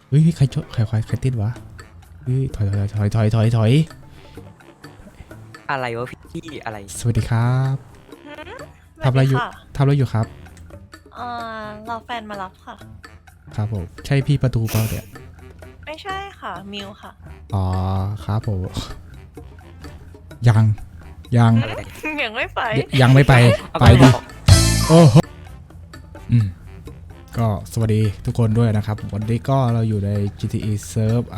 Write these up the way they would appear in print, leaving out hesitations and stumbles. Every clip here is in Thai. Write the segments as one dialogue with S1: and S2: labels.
S1: เฮ้ยใครชนใครติดวะเฮ้ยถอย
S2: อะไรวะพี่อะไร
S1: สวัสดีครับ
S3: หืม
S1: ทำอะไรอยู่
S3: สวัสดีค่
S1: ทำอะไรอยู่ครับ
S3: รอแฟนมารับค่ะ
S1: ครับผมใช่พี่ประตูเปล่าเนี่ย
S3: ไม่ใช่ค่ะ มิวค่ะ
S1: อ๋อครับผมยังยัง
S3: ยังไม่ไป
S1: ยังไม่ไป
S2: เอา
S1: ไป
S2: ไป
S1: ดิ
S2: บอก
S1: โอ้โหก็สวัสดีทุกคนด้วยนะครับ วันนี้ก็เราอยู่ใน GTA Serve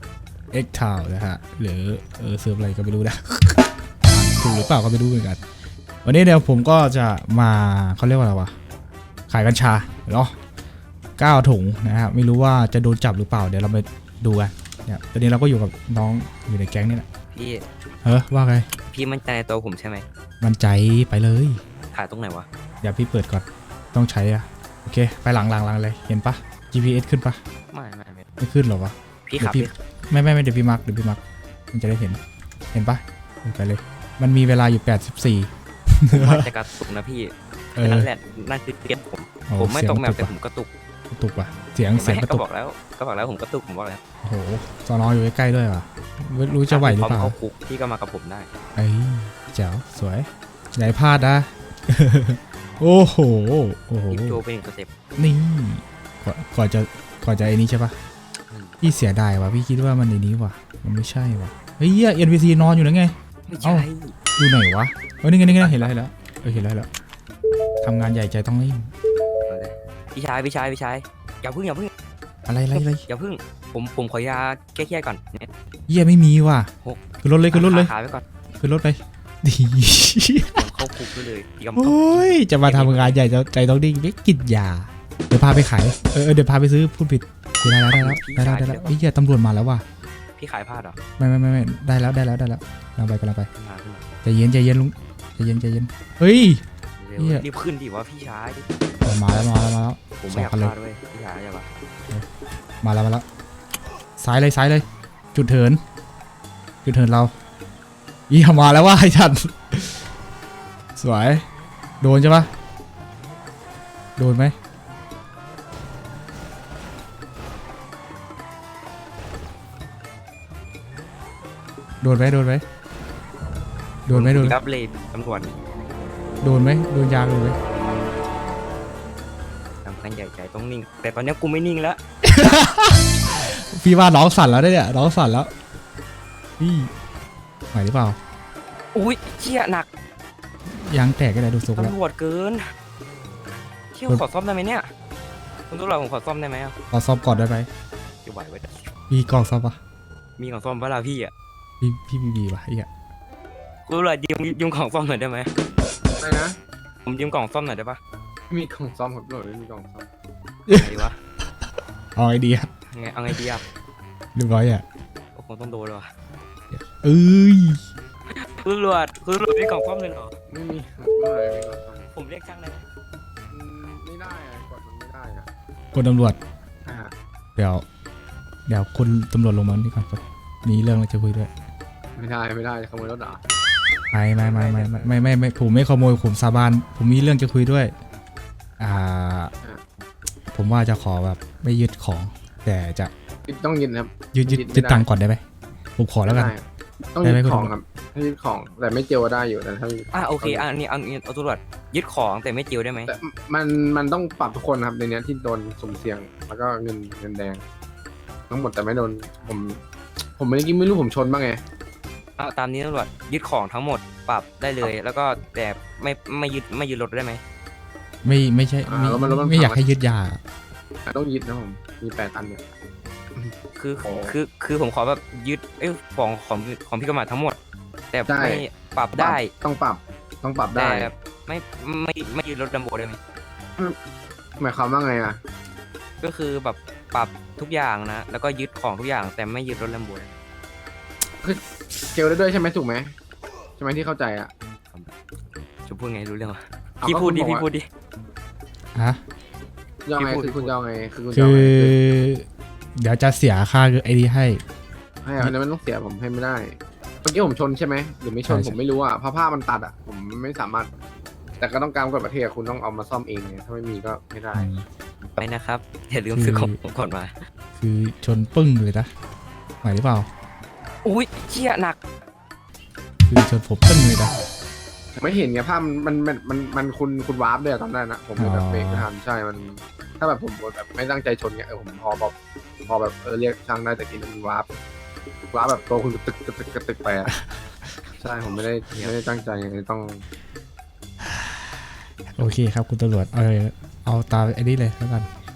S1: X Town นะฮะหรือเซิร์ฟอะไรก็ไม่รู้นะ ถูกหรือเปล่าก็ไม่รู้เหมือนกัน วันนี้เดี๋ยวผมก็จะมาเขาเรียกว่าอะไรวะขายกัญชาเนาะ9 ถุงนะฮะไม่รู้ว่าจะโดนจับหรือเปล่าเดี๋ยวเราไปดูกันเนี่ยตอนนี้เราก็อยู่กับน้องอยู่ในแก๊งนี่แหละ
S2: พี่
S1: ว่าไง
S2: พี่มั่นใจในตัวผมใช่ไหม
S1: มันใจไปเลย
S2: ขายตรงไหนวะ
S1: เดี๋ยวพี่เปิดก่อนต้องใช้อะโอเคไปหลังเลยเห็นปะ GPS ขึ้นปะ
S2: ไม่
S1: ไม่ขึ้นหรอวะ
S2: พี่
S1: เดี๋
S2: ขั
S1: ย
S2: บ
S1: วพี่
S2: พี่
S1: ไม่เดี๋ยวพี่มาร์คมันจะได้เห็นปะไปเลย มันมีเวลาอยู่84
S2: ผมว่าจะกระตุกนะพี่
S1: เออ
S2: นั่นแหละนั่นคือเกมผม
S1: โอ้
S2: ผมไม่ตกแมว
S1: เสียง
S2: แต่ผมกระตุก
S1: กระตุกว่ะเสียง
S2: เห็นไหม
S1: กระ
S2: ก็
S1: ตุก
S2: บอกแล้วผมกระตุกผมบอกแล้ว
S1: โอ้โหสอนออยู่ใกล้ๆด้วยว่ะไม่รู้จะไหวหรือเปล่า
S2: พมเข้าคุกพี่ก็มากับผมได้
S1: เอ้ยแจ๋วสวยอย่าให้พลาดนะ โอ้โห
S2: พี่โจเป็นหนึ่งสเต็ป
S1: นี่ก่อนจะไอ้นี้ใช่ปะพี่เสียดายว่ะพี่คิดว่ามันในนี้ว่ะมันไม่ใช่ว่ะเฮ้ยเอ็นพีซีนอนอยู่นะไง
S2: ไม่
S1: เอ้า
S2: ใช่
S1: ดูไหนวะนี่ไงเห็นแล้วเห็นแล้วทำงานใหญ่ใจต้องรีบ
S2: พี่ชายอย่าพึ่ง
S1: อะไร
S2: อย่าพึ่งผมขอยาแก้เครียดก่อนเนี่ย
S1: เยี่ยไม่มีว่ะ
S2: หก
S1: ขึ้นรถเลย
S2: ขายไว้ก่อน
S1: ขึ้นรถไปดี
S2: ผมเข้าคุกไปเลยพี่กำ
S1: โอ้ยจะมาทำงานใหญ่ใจต้องดิ้งไม่กินยาเดี๋ยวพาไปขายเดี๋ยวพาไปซื้อพูดผิดได้แล้วไอ้เหี้ยตำรวจมาแล้วว่ะ
S2: พี่ขายพลาดเหรอ
S1: ไม่ได้แล้วกำลังไป
S2: ขึ้นมา
S1: ใจเย็นลุงใจเย็นเฮ้ย
S2: เร็ว
S1: เหี้ย
S2: รีบขึ้นดิวะพี่ชาย
S1: มาแล้ว
S2: ผมไม่อยาก
S1: สองคันเลย
S2: พลาดด้วยพี่ชายอย่าปะ
S1: มาแล้วซ้ายเลยจุดเถินเราอีมาแล้วว่าไอ้ฉันสวยโดนใช่ปะโดนไหมโดนไหม
S2: รับเลยตำรวจ
S1: โดนยางเลยไหม
S2: ทำกันใหญ่ใจต้องนิ่ง แต่ตอนนี้กูไม่นิ่งแล้ว
S1: พี่ว่าน้องสั่นแล้วเนี่ยน้องสั่นแล้วพี่ไหวหรือเปล่า
S2: อุ้ยเชี่ยหนัก
S1: ยางแตกก็ได้ดูทรงแล้ว
S2: ตำรวจเกินเชี่ยขอซ่อมได้ไหมเนี่ยคุณตำรวจผมขอซ่อมได้ไหมอ่ะ
S1: ขอซ่อมก่อนได้ไหม
S2: จะไหวไว้
S1: มีกล่องซ่อมปะ
S2: มีของซ่อมเวลาพี่อ่ะ
S1: พี่มีปะไอ้เหี้ย
S2: คุณตำรวจยืมของซ่อมหน่อยได้ไหม
S4: อะไรนะ
S2: ผมยืมกล่องซ่อมหน่อยได้ปะ
S4: มีกล่องซ่อมครับโหลดไม่มีกล่องซ่อม
S2: อะไรดีวะ
S1: เอาไอเดีย
S2: เอาไงดีอ่ะ
S1: เรียบร้อยอ่ะ
S2: คงต้องโดนเลยว่ะ
S1: เอ้ย
S2: คุณตำรวจมีกล่องซ่อมเลยเหรอ
S4: ไม่มีครับโหลดไม่มีกล่องซ่อม
S2: ผมเรียกช่างได้ไหม
S4: ไม่ได้อะกดมันไม่ได้อะ
S1: คนตำรวจ
S4: อ่า
S1: เดี๋ยวคุณตำรวจลงมานี่ก่อนครับมีเรื่องอะไรจะคุยด้วย
S4: ไม่ได้ขโมยรถเหรอ
S1: ไม่ผมไม่ขโมยผมสาบานผมมีเรื่องจะคุยด้วยผมว่าจะขอแบบไม่ยึดของ แต่จะ
S4: ต้องยึดครับ
S1: ยึดตังค์ก่อนได้ไหมผมขอแล้วกัน
S4: ไม่ได้ต้องยึดของครับถ้ายึดของแต่ไม่เจลได้อยู่แต่ถ้า
S2: โอเคอันนี้เอาตำรวจยึดของแต่ไม่จิวได้ไหม
S4: แต่มันต้องปรับทุกคนครับในเนี้ยที่โดนสุ่มเสี่ยงแล้วก็เงินแดงทั้งหมดแต่ไม่โดนผมเมื่อกี้ไม่รู้ผมชนบ้างไง
S2: ตามนี้ตำรวจยึดของทั้งหมดปรับได้เลย แล้วก็แต่ไม่ยึดรถได้ไหม
S1: ไม่ใช่ไม่อยากให้ยึดยา
S4: ต้องยึดนะผมมี8 ตันเนี่ย
S2: คือผมขอแบบยึดของพี่กมาทั้งหมด แต่ไม่ปรับได้
S4: ต้องปรับได้
S2: แต่ไม่ยึดรถดัมโบได้ไหม
S4: หมายความว่าไงอ่ะ
S2: ก็คือแบบปรับทุกอย่างนะ แล้วก็ยึดของทุกอย่างแต่ไม่ยึดรถดัมโบ
S4: เจลได้ด้วยใช่ไหมถูกไหมใช่ไหมที่เข้าใจอ่ะ
S2: จะพูดไงรู้เรื่องวะ
S4: เอา
S2: พี่
S4: ก็
S2: พูดดิ
S4: คุณบอกว่า
S2: พี่พูดดิ
S1: ฮะ
S4: ยังไง
S2: พี่พูด
S4: คือคุณจะเอาไงคือคุณจะ
S1: คื
S4: เอา
S1: อ
S4: ไง
S1: เดี๋ยวจะเสียค่าไอ้นี่ให้
S4: ให้อันนั้นมันต้องเสียผมให้ไม่ได้เมื่อกี้ผมชนใช่ไหมหรือไม่ชน
S1: ใช่
S4: ผมไม่รู้อ่ะเพราะผ้ามันตัดอ่ะผมไม่สามารถ แต่ก็ต้องการกฎประเทศคุณต้องเอามาซ่อมเองไงถ้าไม่มีก็ไม่ได้
S2: ไปนะครับอย่าลืมซื้อของผมก่อนมา
S1: คือชนปึ้งเลยนะไหวหรือเปล่า
S2: อุ้ยเชี่ยหนัก
S1: คือชนผมปึ้งเลยนะ
S4: ผมไม่เห็นไงภาพมันคุณวาร์ปด้วยตอนนั้นนะผมเลยแบบเบรกไม่ทันใช่มัน ถ้าแบบผมแบบไม่ตั้งใจชนเงี้ยผมพอแบบเรียกช่างได้แต่กินมันวาร์ปแบบตัวคุณกระตึกไปอ่ะใช่ผมไม่ได้ตั้งใจไงต้อง
S1: โอเคครับคุณตำรวจเอาตามไอ้นี่เลยแล้วกัน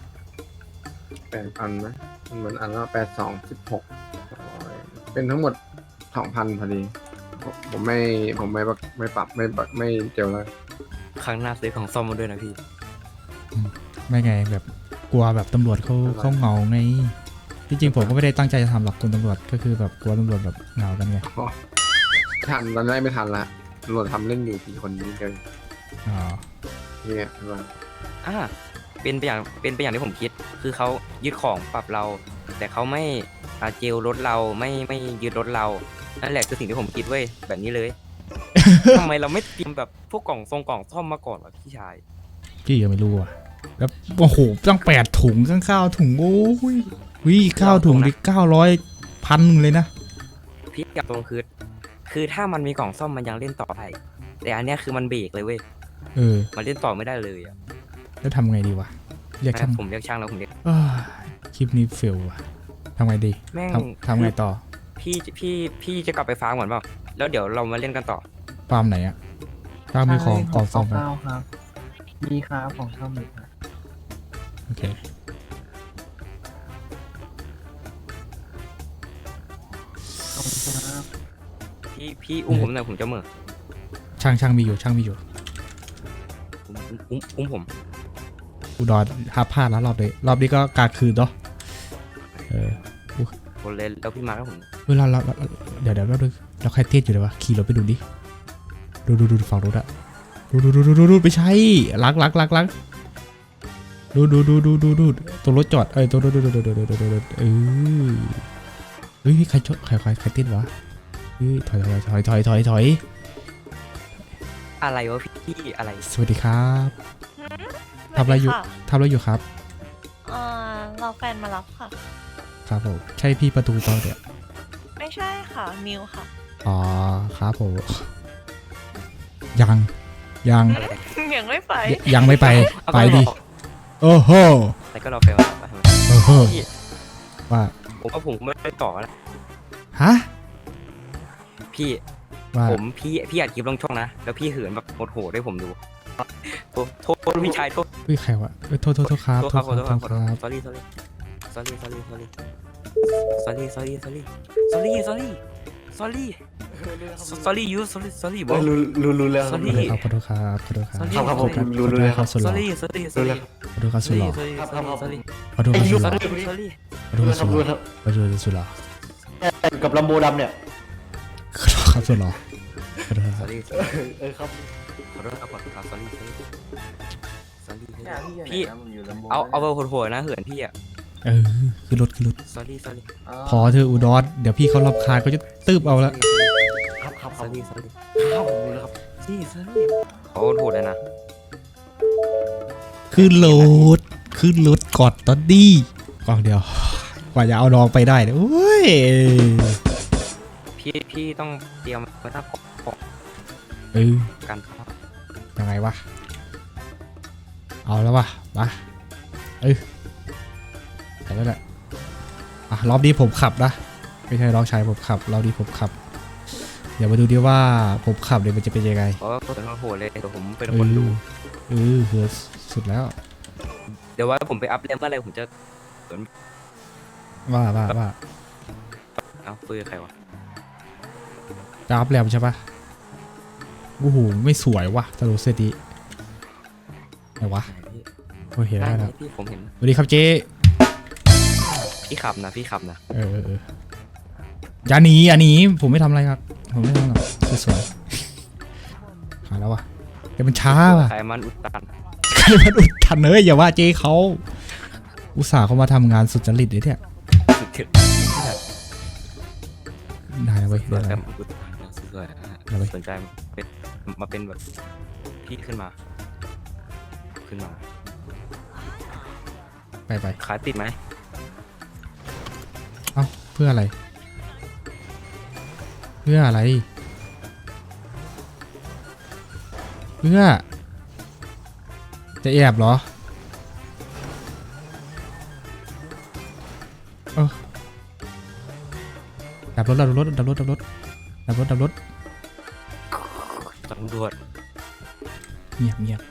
S4: 8 อันนะมันเหมือนอันละ82 16เป็นทั้งหมด 2,000พอดีผมไม่ปรับไม่เจลเลย
S2: ครั้งหน้าซื้อของซ่อมมาด้วยนะพี่
S1: ไม่ไงแบบกลัวแบบตำรวจเขาเหงาไงที่จริงผมก็ไม่ได้ตั้งใจจะทำหรอกคุณตำรวจก็คือแบบกลัวตำรวจแบบเหงากันไง
S4: ทันตอนแรกไม่ทันละตำรวจทำเล่นอยู่กี่คนนี้กัน
S1: อ๋อ
S4: เนี่ยใช่ปะ
S2: เป็นไปอย่างที่ผมคิด คือเขายึดของปรับเรา แต่เขาไม่เจลรถเราไม่ยึดรถเรา นั่นแหละคือสิ่งที่ผมคิดเว้ยแบบนี้เลย ทำไมเราไม่เตรียมแบบพวกกล่องซ่อมมาก่อนวะพี่ชาย
S1: พี่ยังไม่รู้อ่ะแล้วโอ้โหตั้ง8 ถุงตั้งข้าวถุงโอ้ยวิข้าวถุงดิ900 1,000เลยนะ
S2: พี่กับตรงคือถ้ามันมีกล่องซ่อมมันยังเล่นต่อได้แต่อันเนี้ยคือมันเบรกเลยเว้ย มันเล่นต่อไม่ได้เลยอ่ะ
S1: แล้วทำไงดีวะเรียกช่าง
S2: ผมเรียกช่างแล้วผมเรียก
S1: คลิปนี้เฟลว่ะทำไงดี
S2: แม่ง
S1: ทำไงต่อ
S2: พี่จะกลับไปฟาร์มก่อนเปล่าแล้วเดี๋ยวเรามาเล่นกันต่อ
S1: ฟาร์มไหนอะฟาร์มมีของกล่องซ่อมไหม
S5: ครับ มีครับของซ่อมมีครับ
S1: โอเค
S5: ขอบคุณครับ
S2: พี่อุ้มผมหน่อยผมจะเหม่อ
S1: ช่างมีอยู่
S2: อุ้มผม
S1: อุดรห้าพลาดแล้วรอบนี้ก็กาคืนเนาะ
S2: คนเล่นแล้วพี่มาแล้วผม
S1: เดี๋ยวเราใครเต้นอยู่เลยวะขี่รถไปดูดิดูฝั่งรถอะดูไปใช้ลักดูตัวรถจอดตัวรถเฮ้ยใครเต้นวะเฮ้ยถอย
S2: อะไรวะพี่อะไร
S1: สวัสดีครับ ทำอะไรอยู่
S3: ค่ะ
S1: ครับ
S3: รอแฟนมารับค่ะ
S1: ครับผมใช่พี่ประตูเปล่าเนี่ย
S3: ไม่ใช่ค่ะ มิวค่ะ
S1: อ๋อครับผมยัง
S3: ยังไม่ไป
S1: ยังไม่ไป
S2: เอา
S1: ไป
S2: ก็รอ
S1: ดิโอ้โห
S2: แต่ก็รอแฟนมารับ
S1: โอ้โห
S2: พี่
S1: ว่า
S2: ผมว่าผมไม่ได้ต่อแล้ว
S1: ฮะ
S2: พี่
S1: ว่า
S2: พี่อัดคลิปลงช่องนะแล้วพี่เหินแบบโหดๆให้ผมดูโทษพี่ชายโทษ
S1: เฮ้ยใครวะโทษครับ
S2: ขอโทษครับ sorry bro
S5: รู้แล้วครับ
S2: sorry
S1: ขอโทษครับ
S5: ครับผมรู้เลยครับ
S1: สุดหล่อ
S2: sorry
S1: ขอโทษครับสุดหล่อ
S2: sorry
S1: ขอโทษครับสุดหล่อ
S2: sorry
S1: ขอโทษครับสุดหล่อ
S5: ครับ
S1: ขอโทษครับสุดหล่อ
S5: กับลำโบดำเนี่ย
S1: ขอโทษครับสุดหล่อขอโทษครับ
S2: sorry
S5: ครับ
S2: ขอโทษครับsorry พี่เอาไปโหดๆนะเหินพี่อ่ะ
S1: คือรถ
S2: sorry
S1: พอเธออุดรเดี๋ยวพี่เขารำคาญเขาจะตืบเอาละ
S5: ครับ
S2: sorry
S5: ครับผมรู้แล้วครับ
S2: sorry เขาโหดเลยนะ
S1: ขึ้นรถกอดตอนดีกล่องเดียวกว่าจะเอาน้องไปได้เนี่ยโอ้ย
S2: พี่ต้องเตรียมไว้ถ้าของ กันครับ
S1: ยังไงวะเอาแล้ววะมาไปแล้วแหละรอบนี้ผมขับนะไม่ใช่น้องชายผมขับรอบนี้ผมขับเดี๋ยวมาดูดิว่าผมขับเนี่ยมันจะเป็นยังไง
S2: เพราะว่าเป็นคนโหดเลยเดี๋ยวผมเป็นคนดู
S1: คือสุดแล้ว
S2: เดี๋ยวว่าผมไปอัพเลมเมื่อไรผมจะ
S1: ว่า
S2: เอาคุยกับใครวะ
S1: จะอัพแรมใช่ปะโอ้โหไม่สวยว่ะตลกเซตดีไหนวะโอเคได้แล้ว
S2: พี่ผมเห็น
S1: สวัสดีครับเจ๊
S2: พี่ขับนะ
S1: อย่าหนีผมไม่ทำอะไรครับผมไม่ทำหรอกสวยๆหาแล้ววะแต่มันช้าว่ะ
S2: ใครมันอุดตัน
S1: ใครมันอุดทันเลยอย่าว่าเจ๊เขาอุตส่าห์เขามาทำงานสุจริตเลยเนี่ย
S2: สุดถึง
S1: ได้แล้วเว้ย
S2: สวย
S1: ได้
S2: แต่
S1: แล้ว
S2: อุดตันสวย
S1: เอาไป
S2: สนใจมาเป็นแบบพี่ขึ้นมา
S1: ไป
S2: ขาติดไหม
S1: เอ้าเพื่ออะไร เพื่ออะไร เพื่อจะแอบเหรอเออดับรถ
S2: ตำรวจ
S1: เงียบ เงียบ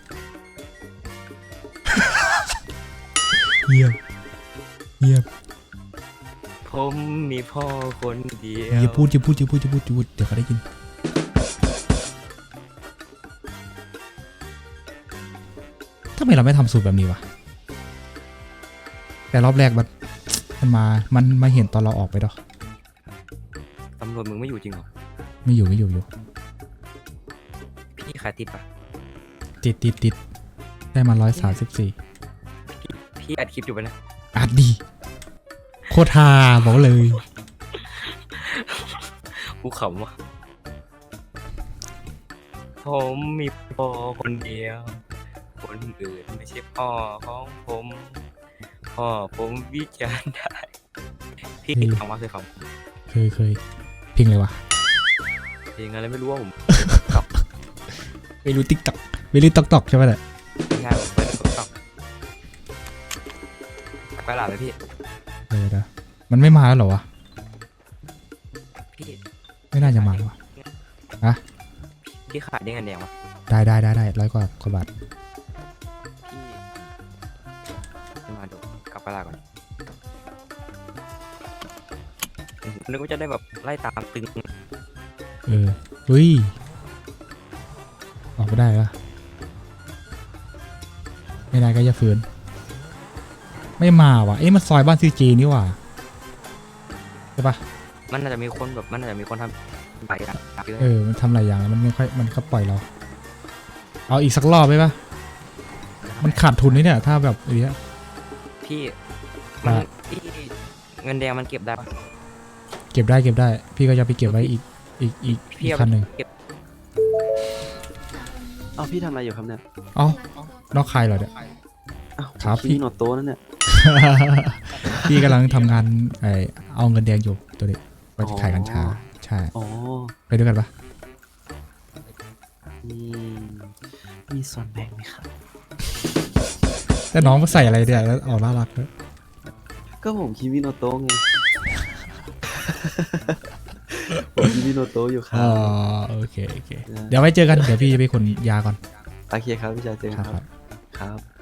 S2: ผมมีพ่อคนเดียว
S1: อย่าพูดเดี๋ยวเขาได้ยินทำไมเราไม่ทำสูตรแบบนี้วะแต่รอบแรกมันมาเห็นตอนเราออกไปดอก
S2: ตำรวจมึงไม่อยู่จริงเหรอ
S1: ไม่อยู่
S2: พี่ขาติดปะ
S1: ติดได้มา134
S2: พี่อัดคลิปอยู่ปะนะ
S1: อัดดีโคตรฮาบอกเลย
S2: กูขำว่ะผมมีพ่อคนเดียว คนอื่นไม่ใช่พ่อของผม พ่อผมวิจารณ์ได้ พี่ฟังว่าเคยฟัง
S1: เคยเพลงอะไรวะ
S2: เพลงอะไรไม่รู้ว่าผม
S1: ไม่รู้ติ๊กต็อกไม่รู้ตอกใช่ไหมเนี่ย
S2: งานผมเปิดติ๊กต็อกไปหลาดเลยพี่
S1: เดี๋ยวมันไม่มาแล้วเหรอวะ
S2: พี่
S1: ไม่น่าจะมาว่ะ
S2: พี่ขายได้เงินแดงวะ
S1: ได้100 กว่าบาท
S2: พี่มาดูกลับไปลาก่อนนึกว่าจะได้แบบไล่ตามตึง
S1: อุ้ยออกไม่ได้ปะไม่ได้ก็จะฝืนไม่มาว่ะมันซอยบ้านซีจีนี่ว่ะใช่ปะ
S2: มันน่าจะมีคนแบบมันน่าจะมีคนทำใบอะเยอะ
S1: มันทำหลายอย่างแล้วมันไม่ค่อยมันก็ปล่อยเรา เอาอีกสักรอบไหมปะมันขาดทุนนี่เนี่ยถ้าแบบอย่างเงี้ย
S2: พี่มัน
S1: ได้
S2: พี่เงินแดงมันเก็บได้ปะ
S1: เก็บได้พี่ก็จะไปเก็บไว้อีก
S2: พี่เอา
S1: คันหนึ่ง
S2: เก็บ
S5: เอาพี่ทำอะไรอยู่ครับเนี่ย
S1: เอ้านอกใครเหรอเนี่ย
S5: อ้าว
S1: ครับ
S5: พี่โนโต้นั่นเนี่ย
S1: พี่กำลังทำงานเอาเงินแดงอยู่ตัวนี้ไปขายกัญชาใช่
S5: อ๋อ
S1: ไปด้วยกันปะ
S5: มีส่วนแบ่งไหมครับ
S1: แต่น้องมาใส่อะไรเนี่ยแล้วออกน่ารักด้วย
S5: ก็ผมคิมิโนโต้ไง ผมคิมิโนโต้อยู่ครั
S1: อ๋อบ โอเคเดี๋ยวไว้เจอกันเดี๋ยวพี่จะไปขนยาก่อน
S5: โอเคครับพี่ชายเจอกัน
S1: ครับ
S5: ครับ